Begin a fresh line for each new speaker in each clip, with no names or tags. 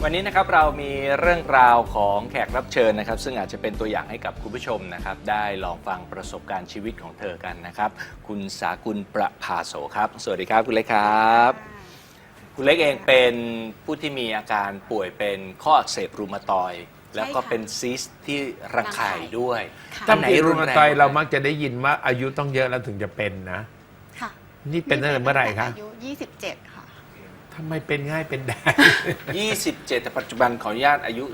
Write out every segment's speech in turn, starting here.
วันนี้นะครับเรามีเรื่องราวของแขกรับเชิญนะครับซึ่งอาจจะเป็นตัวอย่างให้กับคุณผู้ชมนะครับได้ลองฟังประสบการณ์ชีวิตของเธอกันนะครับคุณสากุลประภาโสครับสวัสดีครับคุณเล็กครับคุณเล็กเองเป็นผู้ที่มีอาการป่วยเป็นข้ออักเสบรูมาตอยด์แล้วก็เป็นซิสต์ที่รังไข่ด้วย
ถ้าเป็นรูมาตอยด์เรามักจะได้ยินว่าอายุต้องเยอะแล้วถึงจะเป็นนะ
ค่ะ
นี่เป็นตั้งแต่เมื่อไหร่คะ
อายุ27 ค่ะ
ทำไมเป็นง่ายเป็นได้
27แต่ปัจจุบันขออนุญาตอายุ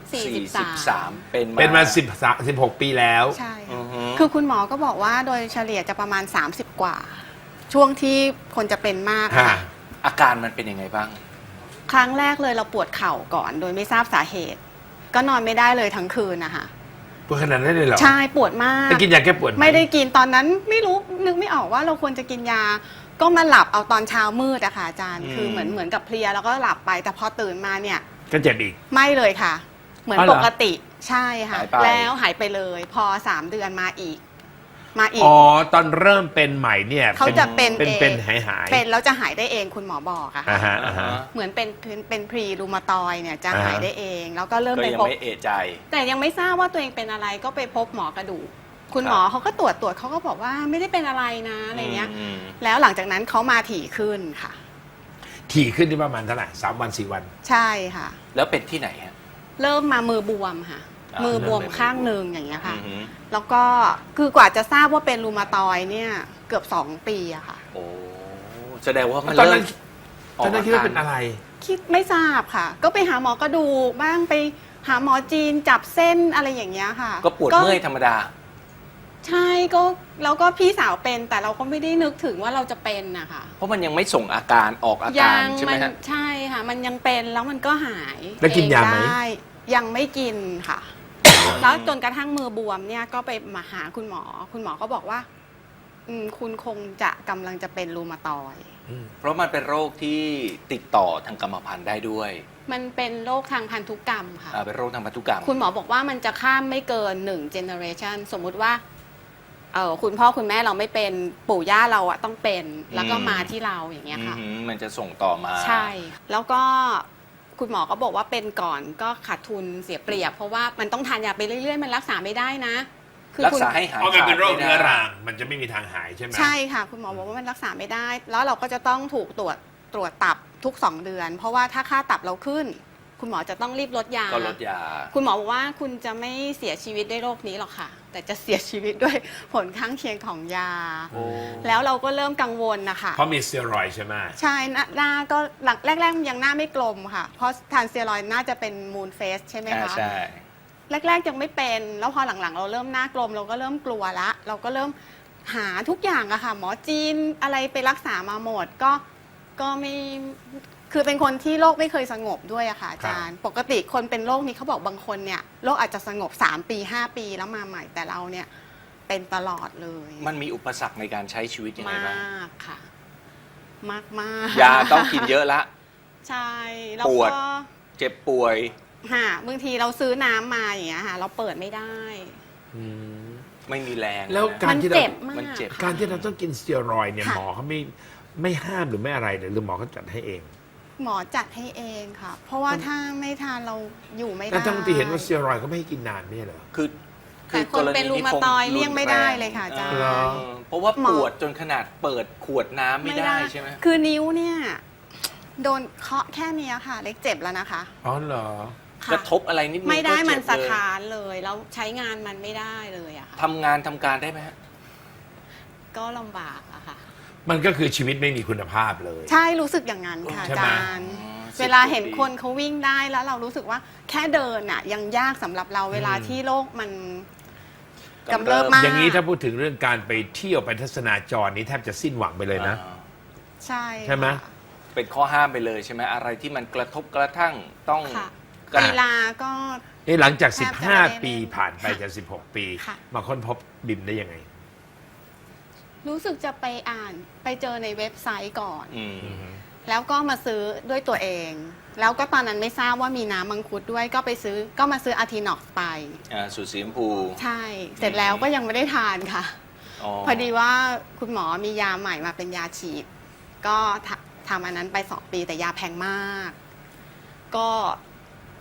43
เป็นมา16 ปีแล้ว
ใช่
อื
ค่ะ
อฮึ
คือคุณหมอก็บอกว่าโดยเฉลี่ยจะประมาณ30 กว่า ช่วงที่คนจะเป็นมากค่ะ
อาการมันเป็นยังไงบ้าง
ครั้งแรกเลยเราปวดเข่าก่อนโดยไม่ทราบสาเหตุ ก็นอนไม่ได้เลยทั้งคืนนะคะ
ปวดขนาดนั้นเลยเหรอ
ใช่ปวดมาก
ไปกินยาแก้ปวดห
ไม่ได้กินตอนนั้นไม่รู้นึกไม่ออกว่าเราควรจะกินยา ก็มาหลับเอาตอนเช้ามืดอะค่ะอาจารย์ คือเหมือนกับเพลียแล้วก็หลับไปแต่พอตื่นมาเนี่ย
ก็เจ็บอีก
ไม่เลยค่ะ เหมือน
อ๋อเหร
ป
อ
กติใช่ค่ะ
หายไป
แล้วหายไปเลยพอ3 เดือนมาอีก
อ๋อตอนเริ่มเป็นใหม่เนี่ย
เขาจะเป็นเอง
เป็นหาย
เป็นแล้วจะหายได้เองคุณหมอบอกอะค่ะ
อ่าฮะอ่าฮะ
เหมือนเป็นพรีรูมาตอยเนี่ยจะ
อ่าฮะ
หายได้เอง แล้วก็เริ่ม
ก็
ไป
ยัง
พบ
ไม่เอะใจ
แต่ยังไม่ทราบว่าตัวเองเป็นอะไรก็ไปพบหมอกระดูกคุณ
ครับ
หมอเขาก็ตรวจเขาก็บอกว่าไม่ได้เป็นอะไรนะอะไรเงี้ย
อืม
แล้วหลังจากนั้นเขามาถี่ขึ้นค่ะ
ถี่ขึ้นที่ประมาณเท่าไหร่3 วัน4 วัน
ใช่ค่ะ
แล้วเป็นที่ไหนฮะ
เริ่มมามือบวมค่ะ
อ่ามื
มือบวม
เริ่มเป็น
ข้างหนึ่งอย่างเงี้ยค่ะ
อือฮึ
แล้วก็คือกว่าจะทราบว่าเป็นรูมาตอยเนี่ยเกือบ2 ปีอะค่ะ
โอ้แสดงว่ามัน
ตอน
เริ่
นั้
ม
นตอนนั้นคิดว่าเป็นอะไร
คิดไม่ทราบค่ะ ก็ไปหาหมอกระดูกบ้างไปหาหมอจีนจับเส้นอะไรอย่างเงี้ยค่ะ
ก็ปวดเมื่อยธรรมดา
ใช่ก็แล้วก็พี่สาวเป็นแต่เราก็ไม่ได้นึกถึงว่าเราจะเป็นนะคะ
เพราะมันยังไม่ส่งอาการออกอา
ยั
การใช่ไหมฮะ
ใช่ค่ะ มันยังเป็นแล้วมันก็หาย
แล้วกินยาไหม
เองด้ยังไม่กินค่ะ แล้วจนกระทั่งมือบวมเนี่ยก็ไปมาหาคุณหมอ คุณหมอก็บอกว่าคุณคงจะกำลังจะเป็นรูมาตอยด์
เพราะมันเป็นโรคที่ติดต่อทางกรรมพันธุ์ได้ด้วย
มันเป็นโรคทางพันธุกรรมค่ะ
เป็นโรคทางพันธุกรรม
คุณหมอบอกว่ามันจะข้ามไม่เกิน1 generation สมมุติว่าคุณพ่อคุณแม่เราไม่เป็นปู่ย่าเราอะต้องเป็นแล้วก็มาที่เราอย่างเงี้ยค่ะ
มันจะส่งต่อมา
ใช่ แล้วก็คุณหมอก็บอกว่าเป็นก่อนก็ขาดทุนเสียเปรียบ เพราะว่ามันต้องทานยาไปเรื่อยๆ มันรักษาไม่ได้นะ
รักษาให้หาย
เพราะมันเป็นโรค
ขาดไม่
เรื้อ
ได้
รังมันจะไม่มีทางหายใช่ไหม
ใช่ค่ะ คุณหมอบอกว่ามันรักษาไม่ได้ แล้วเราก็จะต้องถูกตรวจตับทุก2 เดือน เพราะว่าถ้าค่าตับเราขึ้น คุณหมอจะต้องรีบลดยา
ก็ลดยา
คุณหมอบอกว่าคุณจะไม่เสียชีวิตด้วยโรคนี้หรอกค่ะ แต่จะเสียชีวิตด้วยผลข้างเคียงของยา
โอ้
แล้วเราก็เริ่มกังวลนะคะ
เพราะมีสเตียรอยด์ใช่ไหม
ใช่หน้าก็หลังแรกๆยังหน้าไม่กลมค่ะ เพราะทานสเตียรอยด์น่าจะเป็นมูนเฟสใช่ไหมคะ
ใช่
แรกๆยังไม่เป็น แล้วพอหลังๆ เราเริ่มหน้ากลมเราก็เริ่มกลัวละ เราก็เริ่มหาทุกอย่างอะค่ะ หมอจีนอะไรไปรักษามาหมดก็ไม่คือเป็นคนที่โรคไม่เคยสงบด้วยอะค่ะอาจารย์ ปกติคนเป็นโรคนี้เขาบอกบางคนเนี่ยโรคอาจจะสงบ3 ปี 5 ปีแล้วมาใหม่แต่เราเนี่ยเป็นตลอดเลย
มันมีอุปสรรคในการใช้ชีวิตยังไง
มา
บ้าง
กค่ะ มากๆ
ยาต้องกินเยอะละ
ใช่แล้ว
ปวด
ก็
เจ็บป่วย
บางทีเราซื้อน้ำมาอย่างเงี้ยค่ะเราเปิดไม่ได้
อืม
ไม่มีแรง
แล้ว
นะ
การ
มัน
ที่เรา
เจ็บมาก
มันเจ็บ
ค่ะ
การที่เราต้องกินสเตียรอยด์เนี่ย
ค่ะ
หมอเขาไม่ห้ามหรือไม่อะไรเลยหรือหมอเขาจัดให้เอง
หมอจัดให้เองค่ะ เพราะว่าถ้าไม่ทานเราอยู่ไม่ได้
แต่ทั้งที่เห็นว่าสเตียรอยด์ก็ไม่ให้กินนานไม่ใช่เหรอ
คือ
แต่คนเป็นรูมาตอยด์เลี่ยงไม่ได้เลยค่ะอาจารย์
เหรอ
เพราะว่า
หมอ
ปวดจนขนาดเปิดขวดน้ำไม่ได้ใช่ไหม
คือนิ้วเนี่ยโดนเคาะแค่เนี้ยค่ะ เล็กเจ็บแล้วนะคะ
อ๋อเหรอ
ค่ะ
กระทบอะไรนิดนึง
ไม่ได้
ก็เจ็บ
มันส
เลย
ถานเลยแล้วใช้งานมันไม่ได้เลยอะค่ะ
ทำงานทำการได้ไหมฮะ
ก็ลำบากอะค่ะ
มันก็คือชีวิตไม่มีคุณภาพเลย
ใช่รู้สึกอย่างนั้นค่ะ
ใช่
อา
ไหม
จารย์
อ๋อ
เวลาเห็น
10
คนเขาวิ่งได้แล้วเรารู้สึกว่าแค่เดินอะยังยากสำหรับเราเวลาที่โรคมันกำเริบมาก
อย่างนี้ถ้าพูดถึงเรื่องการไปเที่ยวไปทัศนาจรนี้แทบจะสิ้นหวังไปเลยนะ
อ่า
ใช่
ใช่ไหม
ค่ะ
เป็นข้อห้ามไปเลยใช่ไหมอะไรที่มันกระทบกระทั่งต้อง
ค่ะ
การ
กีฬาก็
หลังจาก
แทบจะไม่ได้
15 ปีผ่านไป
ค่ะ
จะ16 ปี
ค่ะ
มาค้นพบบิมได้ยังไง
รู้สึกจะไปอ่านไปเจอในเว็บไซต์ก่อน
อืม
แล้วก็มาซื้อด้วยตัวเอง แล้วก็ตอนนั้นไม่ทราบว่ามีน้ำมังคุดด้วยก็มาซื้ออาร์ทินอกไป
สูตรสีชมพู
ใช่ เสร็จแล้วก็ยังไม่ได้ทานค่ะ พอดีว่าคุณหมอมียาใหม่มาเป็นยาฉีด ก็ทำอันนั้นไป2 ปีแต่ยาแพงมาก ก็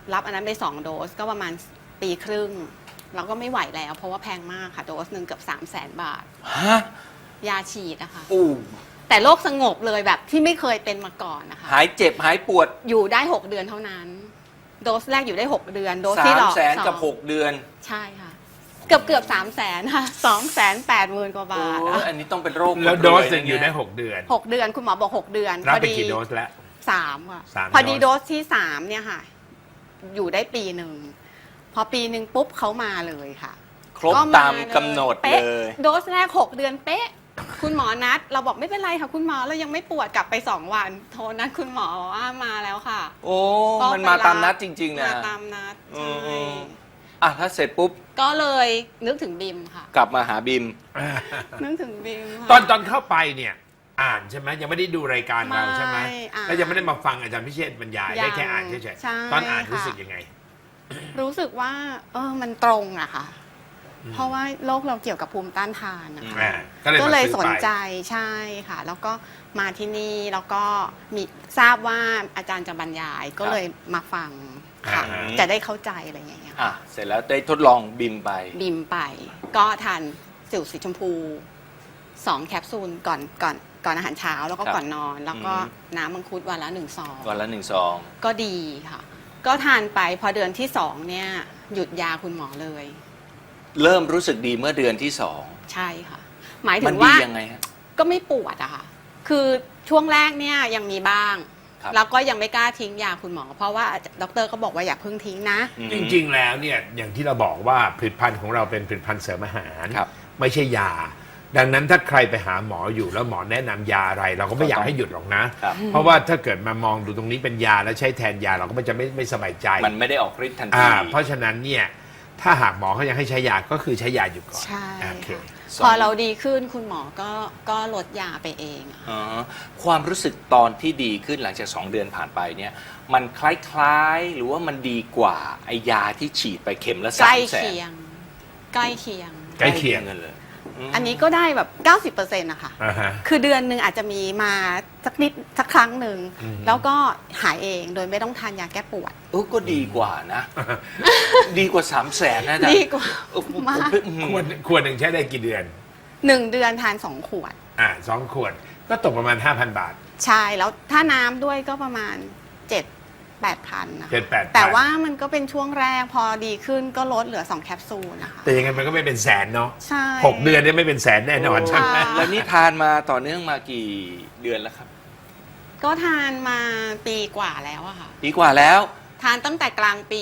รับอันนั้นไป2 โดสก็ประมาณปีครึ่งเราก็ไม่ไหวแล้วเพราะว่าแพงมากค่ะโดสหนึ่งเกือบ300,000 บาท
ฮะ
ยาฉีดนะคะ
อู้
แต่โรคสงบเลยแบบที่ไม่เคยเป็นมาก่อนนะคะ
หายเจ็บหายปวด
อยู่ได้ 6 เดือนเท่านั้น โดสแรกอยู่ได้ 6 เดือน โดส
สา
ที่
ม
หลอก
แสนกับ
สอง
6 เดือน
ใช่ค่ะ เกือบ300,000ค่ะ280,000 กว่าบาท
โอ้ยอันนี้ต้องเป็นโรค
แล้วโดส
ร
หนึ่งอยู่ได้
นะ
6 เดือน
6 เดือนคุณหมอบอก 6 เดือน
รับ
พอ
ไป
ดี
กี่โดสแล้ว
3ค่ะ
3
พอดี
โด
โด
ส
สที่3เนี่ยค่ะ อยู่ได้ปีหนึ่งพอปีหนึ่งปุ๊บเขามาเลยค่ะ
ครบ
ก็
ตามกำหนด
ป๊ะ
เลย
โดสแรก 6 เดือนเป๊ะ คุณหมอนัด เราบอกไม่เป็นไรค่ะ คุณหมอเรายังไม่ปวดกลับไป 2 วัน โทรนัดคุณหมอว่ามาแล้วค่ะ
โอ้
ก็
มันมา
ไปรับ
ตามนัดจริง ๆ นะ
มาตามนัด
อื
ใช่
ม อ่ะถ้าเสร็จปุ๊บ
ก็เลยนึกถึงบิมค่ะ
กลับมาหาบิม
นึกถึงบิมค่ะ
ตอนเข้าไปเนี่ยอ่านใช่ไหมยังไม่ได้ดูรายการเราใช่ไหม
ไม่อ่าน
แล้วยังไม่ได้มาฟังอาจารย์พิเชษฐ์บรรยาย
ยัง
ได้แค่อ่านเฉย
ใช่
ๆตอนอ่าน
ค่ะ
รู้สึกยังไง
รู้สึกว่า มันตรงอะค่ะ เพราะว่าโรคเราเกี่ยวกับภูมิต้านทานนะคะ
ก็เลย
ส
มาน ซื้อ
ใจ
ไป
ใช่ค่ะ แล้วก็มาที่นี่แล้วก็มีทราบว่าอาจารย์จะบรรยายก็เลยมาฟังค่ะ
อ่า
จะได้เข้าใจอะไรอย่างเงี้ยค่ะ
อ่ะ เสร็จแล้วได้ทดลองบิมไป
บิมไป ก็ทานสิวสีชมพู2 แคปซูลก่อนอาหารเช้าแล้วก็
ครับ
ก่อนนอน แล้วก็
อืม
น้ำมังคุดวันละ1 ซอง
วันละ1 ซอง
ก็ดีค่ะ ก็ทานไปพอเดือนที่2เนี่ยหยุดยาคุณหมอเลย
เริ่มรู้สึกดีเมื่อเดือนที่
ใช่ค่ะ หมาย
2
ถึ
มัน
ง
ดี
ว่า
ยังไงฮะ
ก็ไม่ปวดอะค่ะ คือช่วงแรกเนี่ยยังมีบ้าง
ครับ
แล้วก็ยังไม่กล้าทิ้งยาคุณหมอ เพราะว่าดอกเตอรก็บอกว่าอย่าเพิ่งทิ้งนะ
จริงๆ แล้วเนี่ยอย่างที่เราบอกว่าผลิตภัณฑ์ของเราเป็นผลิตภัณฑ์เสริมอาหาร
ครับ
ไม่ใช่ยา ดังนั้นถ้าใครไปหาหมออยู่แล้วหมอแนะนำยาอะไร เราก็ไม่อยากให้หยุดหรอกนะ
ครับ
เพราะว่าถ้าเกิดมามองดูตรงนี้เป็นยาแล้วใช้แทนยาเราก็จะไม่สบายใจ
มันไม่ได้ออกฤทธิ์ทันที
เพราะฉะนั้นเนี่ยถ้าหากหมอเขายังให้ใช้ยาก็คือใช้ยาอยู่ก่อน
ใช่
โอเค
ค่ะ
สอง
พอเราดีขึ้นคุณหมอก็ลดยาไปเองอะ
อ๋อความรู้สึกตอนที่ดีขึ้นหลังจาก 2 เดือนผ่านไปเนี่ย มันคล้ายๆ หรือว่ามันดีกว่าไอยาที่ฉีดไปเข็มละ
ใกล้
300,000
เคียง ใกล้เคียง
ใกล้เคียง
กันเลยม
อันนี้ก็ได้แบบ 90%นะคะ
อ่าฮะ
คือเดือนหนึ่งอาจจะมีมาสักครั้งหนึ่ง
อืม
แล้วก็หายเองโดยไม่ต้องทานยาแก้ปวด
ก็ดีกว่านะ ดีกว่า 300,000นะอาจารย์
ดีกว่า
ผม
มาก
ขวดหนึ่งใช้ได้กี่เดือน
1 เดือนทาน 2 ขวด
2 ขวดก็ตกประมาณ 5,000 บาท
ใช่ แล้วถ้าน้ำด้วยก็ประมาณ 7-8 พันนะคะ
7-8,000
แต่ว่ามันก็เป็นช่วงแรกพอดีขึ้นก็ลดเหลือ 2 แคปซูลนะคะ
แต่ยังไงมันก็ไม่เป็นแสนเนาะ
ใช่
6 เดือนเนี่ยไม่เป็นแสนแน่นอนใช่ไหม
ค่ะ
แล้วนี่ทานมาต่อเนื่องมากี่เดือนแล้วครับ
ก็ทานมาปีกว่าแล้วอะค่ะ
ปีกว่าแล้ว
ทานตั้งแต่กลางปี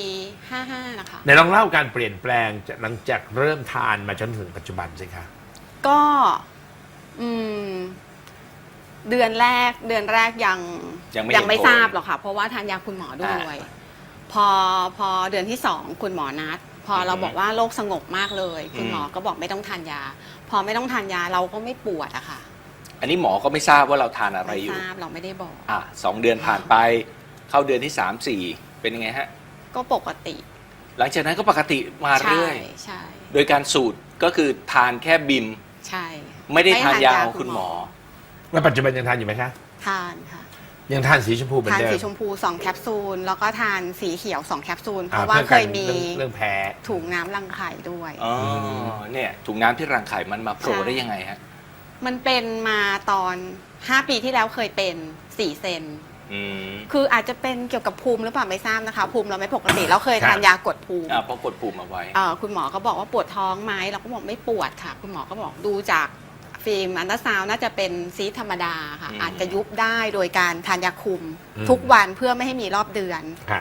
55 นะคะ
ไหนลองเล่าการเปลี่ยนแปลงจากหลังจากเริ่มทานมาจนถึงปัจจุบันสิคะ
ก็อืมเดือนแรกยัง
ยังไม่
ทราบ
เห็นผล
หรอกค่ะ เพราะว่าทานยาคุณหมอด้วย พอเดือนที่ 2 คุณหมอนัด พอเราบอกว่าโรคสงบมากเลย คุณหมอก็บอกไม่ต้องทานยา พอไม่ต้องทานยาเราก็ไม่ปวดอะค่ะ
อันนี้หมอก็ไม่ทราบว่าเราทานอะไร
ไม่
อยู่
ทราบเราไม่ได้บอก
2 เดือนผ่านไป เข้าเดือนที่ 3-4 เป็นยังไงฮะ
ก็ปกติ
หลังจากนั้นก็ปกติมา
ใช่
เรื่อย
ใช่
โดยการสูตรก็คือทานแค่บิม
ใช่
ไม่ได้ทานยาของคุณหมอ
แล้วปัจจุบันยังทานอยู่ไหมคะ
ทานค่ะ
ยังทานสีชมพูเหมือน
ทาน
เดิม
สีชมพู 2 แคปซูล แล้วก็ทานสีเขียว 2 แคปซูล เพ
อ่
ราะว่า
พื่อ
เค
กัน
ยมี
เรื่องแพ้
ถุงน้ำรังไข่ด้วย
อ๋อ เนี่ยถุงน้ำที่รังไข่มันมาโผล่
ใช่
ได้ยังไงฮะ
มันเป็นมาตอน 5 ปีที่แล้วเคยเป็น4 เซน
อืม
คืออาจจะเป็นเกี่ยวกับภูมิหรือเปล่าไม่ทราบนะคะ ภูมิเราไม่ปกติ เราเคยทานยากดภูมิ
พอกดปุ่มเอาไว้
คุณหมอก็บอกว่าปวดท้องไหมเราก็บอกไม่ปวดค่ะ คุณหมอก็บอกดูจากฟิล์มอันตราซาวน์น่าจะเป็นซีสธรรมดาค่ะ
อืม
อาจจะยุบได้โดยการทานยาคุม
อืม
ทุกวันเพื่อไม่ให้มีรอบเดือน
ค่ะ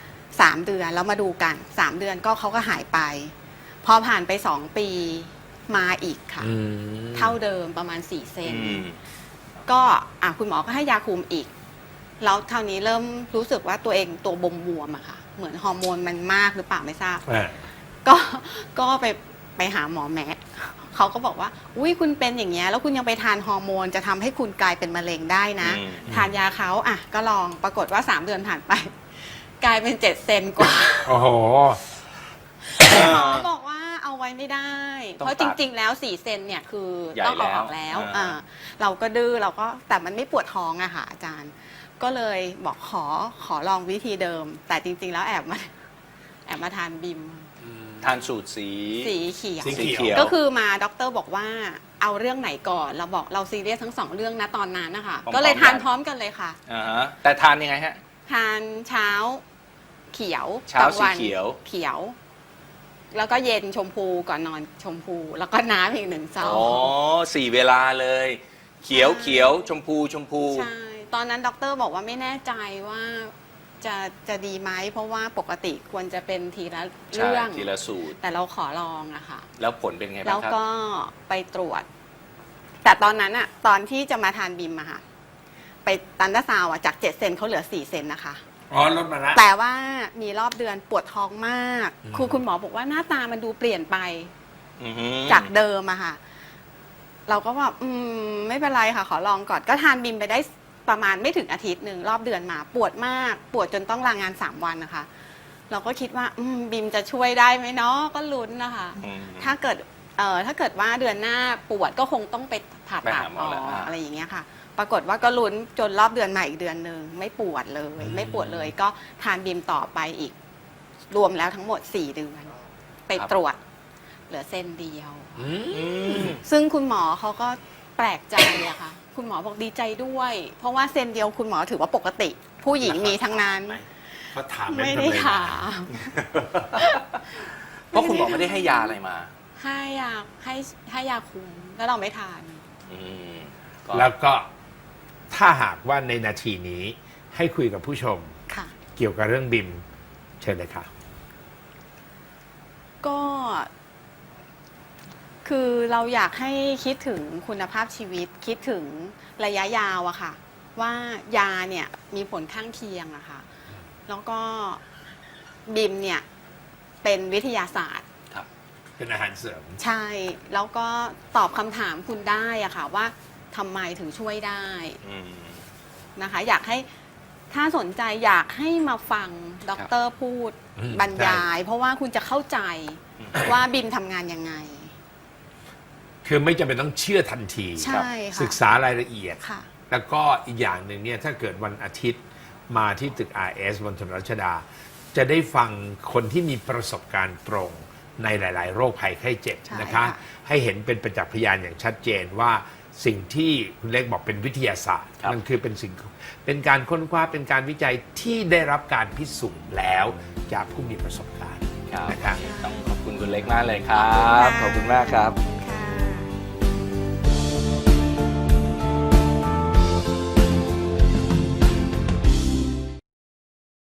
3 เดือนแล้วมาดูกัน 3 เดือนก็เขาก็หายไป พอผ่านไป 2 ปีมาอีกค่ะ
อืม
เท่าเดิมประมาณ 4 เซน
อืม
ก็คุณหมอก็ให้ยาคุมอีก แล้วเท่านี้เริ่มรู้สึกว่าตัวเองตัวบวมๆอะค่ะ เหมือนฮอร์โมนมันมากหรือเปล่าไม่ทราบ
อ่า
ก็ไปหาหมอแมทเขาก็บอกว่า อุ้ยคุณเป็นอย่างเงี้ยแล้วคุณยังไปทานฮอร์โมนจะทำให้คุณกลายเป็นมะเร็งได้นะ
อืม
ทานยาเขาก็ลองปรากฏว่า 3 เดือนผ่านไป กลายเป็น 7 เซนกว่า
โอ้โห
เขาบอกว่าเอาไว้ไม่ได้
ต้อง
เพราะจริง ๆ แล้ว4 เซนเนี่ยคือ
ใหญ่
ต้องเอาออก
แล้
แล้ว ว
อ่า
เราก็ดื้อเราก็แต่มันไม่ปวดท้องอะค่ะอาจารย์ พก็เลยบอกขอลองวิธีเดิม แต่จริง ๆ แล้วแอบมาทานบิม
ทานสูตรสี
สีเขียว
สีเขียว
ก็คือมาด็อกเตอร์บอกว่าเอาเรื่องไหนก่อนเราบอกเราซีเรียสทั้งสองเรื่องนะตอนนั้นนะคะ
พร้อมๆ
ก็เลยทาน
กัน
พร้อมกันเลยค่ะ
อ่าฮะแต่ทานยังไงฮะ
ทานเช้าเขียว
เช้าก
ลงวัน
สีเขียว
เขียว แล้วก็เย็นชมพูก่อนนอนชมพู แล้วก็น้ำอีก1 ซอ
อ๋อง 4 เวลาเลย เขียวเขียวชมพูชมพู
ใช่ ตอนนั้นด็อกเตอร์บอกว่าไม่แน่ใจว่าจะดีไหมเพราะว่าปกติควรจะเป็นทีละ
ใช่
เรื่อง
ทีละสูตร
แต่เราขอลองอะค่ะ
แล้วผลเป็นไง
แล้
บ้าว งครับ
ก็ไปตรวจ แต่ตอนนั้นอะตอนที่จะมาทานบิมอะค่ะ ไปตันดาซาวอะจาก7 เซนเขาเหลือ4 เซนนะคะ
อ๋อลดมาละ
แต่ว่ามีรอบเดือนปวดท้องมาก
อืม
คุณหมอบอกว่าหน้าตามันดูเปลี่ยนไป
อือฮึ
จากเดิมอะค่ะ เราก็แบบไม่เป็นไรค่ะ ขอลองก่อนก็ทานบิมไปได้ประมาณไม่ถึงอาทิตย์หนึ่งรอบเดือนมา ปวดมากปวดจนต้องลางาน3 วันนะคะ เราก็คิดว่าบิมจะช่วยได้ไหมเนาะก็ลุ้นนะคะ
อืม
ถ้าเกิดว่าเดือนหน้าปวดก็คงต้องไปผ่า
ไป
ตัด
หาหม
อ
อ
อ
แล้ว
กอะไรอย่างเงี้ยค่ะ ปรากฏว่าก็ลุ้นจนรอบเดือนมาอีกเดือนหนึ่งไม่ปวดเลย ไม่ปวดเลย ก็ทานบิมต่อไปอีก รวมแล้วทั้งหมด4 เดือนไปตรวจ เหลือเส้นเดียว
อืม
อืม
ซึ่งคุณหมอเขาก็แปลกใจอะค่ะ คุณหมอบอกดีใจด้วย เพราะว่าเส้นเดียวคุณหมอถือว่าปกติ ผู้หญิงมีทั้งนั้น
เขาถาม
ไม่ได้ถาม
เพราะคุณหมอไม่ได้ให้ยาอะไรมา
ให้ยาคุมแล้วเราไม่ทาน
อืมก็
แล้วก็ถ้าหากว่าในนาทีนี้ให้คุยกับผู้ชม
ค่ะ
เกี่ยวกับเรื่องบิมเชิญเลยค่ะ
ก็ คือเราอยากให้คิดถึงคุณภาพชีวิต คิดถึงระยะยาวอะค่ะ ว่ายาเนี่ยมีผลข้างเคียงอะค่ะ แล้วก็บิมเนี่ยเป็นวิทยาศาสตร์
ครับ
เป็นอาหารเสริม
ใช่ แล้วก็ตอบคำถามคุณได้อะค่ะ ว่าทำไมถึงช่วยได้
อืม
นะคะ อยากให้ถ้าสนใจอยากให้มาฟังด็อกเตอร์พูด
อืม
บรรยาย เพราะว่าคุณจะเข้าใจว่าบิมทำงานยังไง
คือไม่จำเป็นต้องเชื่อทันที
ใช่ค่ะ
ศึกษารายละเอียด
ค่ะ
แล้วก็อีกอย่างหนึ่งเนี่ยถ้าเกิดวันอาทิตย์มาที่ตึก RS บนถนนรัชดา จะได้ฟังคนที่มีประสบการณ์ตรงในหลาย ๆ โรคภัยไข้เจ็บ
ใช่
นะคะ
ค่ะ
ให้เห็นเป็นประจักษ์พยานอย่างชัดเจนว่าสิ่งที่คุณเล็กบอกเป็นวิทยาศาสตร์
ครับ
มันคือเป็นการค้นคว้าเป็นการวิจัยที่ได้รับการพิสูจน์แล้วจากผู้มีประสบการณ์
ครับ
นะคะ
ต้องขอบคุณคุณเล็กมากเลยครับ ขอบคุณมากครับ